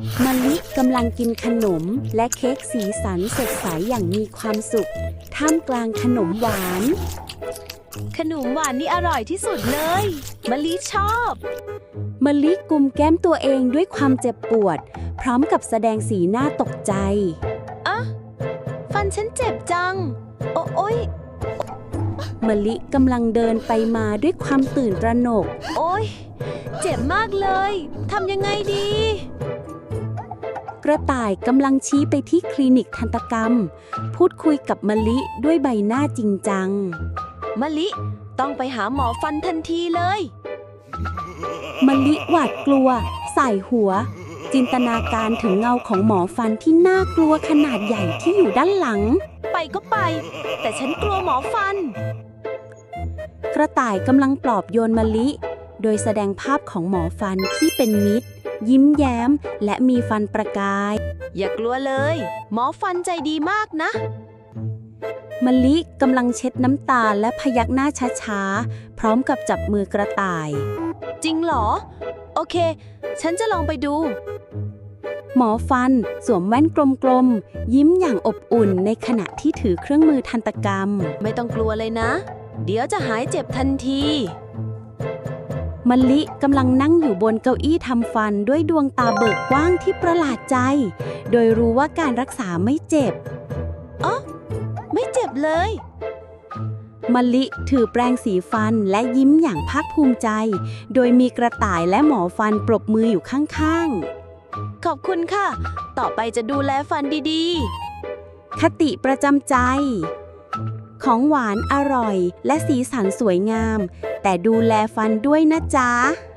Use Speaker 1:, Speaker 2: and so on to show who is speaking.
Speaker 1: มะลิกำลังกินขนมและเค้กสีสันสดใสอย่างมีความสุขท่ามกลางขนมหวาน
Speaker 2: ขนมหวานนี่อร่อยที่สุดเลยมะลิชอบ
Speaker 1: มะลิกุมแก้มตัวเองด้วยความเจ็บปวดพร้อมกับแสดงสีหน้าตกใจ
Speaker 2: อะฟันฉันเจ็บจังโอ๊ย
Speaker 1: มะลิกำลังเดินไปมาด้วยความตื่นตระหนก
Speaker 2: โอ๊ยเจ็บมากเลยทำยังไงดี
Speaker 1: กระต่ายกำลังชี้ไปที่คลินิกทันตกรรมพูดคุยกับมะลิด้วยใบหน้าจริงจัง
Speaker 2: มะลิต้องไปหาหมอฟันทันทีเลย
Speaker 1: มะลิหวาดกลัวสายหัวจินตนาการถึงเงาของหมอฟันที่น่ากลัวขนาดใหญ่ที่อยู่ด้านหลัง
Speaker 2: ไปก็ไปแต่ฉันกลัวหมอฟัน
Speaker 1: กระต่ายกำลังปลอบโยนมะลิโดยแสดงภาพของหมอฟันที่เป็นมิตรยิ้มแย้มและมีฟันประกาย
Speaker 2: อย่ากลัวเลยหมอฟันใจดีมากนะ
Speaker 1: มะลิกำลังเช็ดน้ำตาและพยักหน้าช้าๆพร้อมกับจับมือกระต่าย
Speaker 2: จริงเหรอโอเคฉันจะลองไปดู
Speaker 1: หมอฟันสวมแว่นกลมๆยิ้มอย่างอบอุ่นในขณะที่ถือเครื่องมือทันตกรรม
Speaker 2: ไม่ต้องกลัวเลยนะเดี๋ยวจะหายเจ็บทันที
Speaker 1: มะลิกำลังนั่งอยู่บนเก้าอี้ทำฟันด้วยดวงตาเบิกกว้างที่ประหลาดใจโดยรู้ว่าการรักษาไม่เจ็บ
Speaker 2: ไม่เจ็บเลย
Speaker 1: มะลิถือแปรงสีฟันและยิ้มอย่างภาคภูมิใจโดยมีกระต่ายและหมอฟันปรบมืออยู่ข้าง
Speaker 2: ๆขอบคุณค่ะต่อไปจะดูแลฟันดี
Speaker 1: ๆคติประจำใจของหวานอร่อยและสีสันสวยงามแต่ดูแลฟันด้วยนะจ๊ะ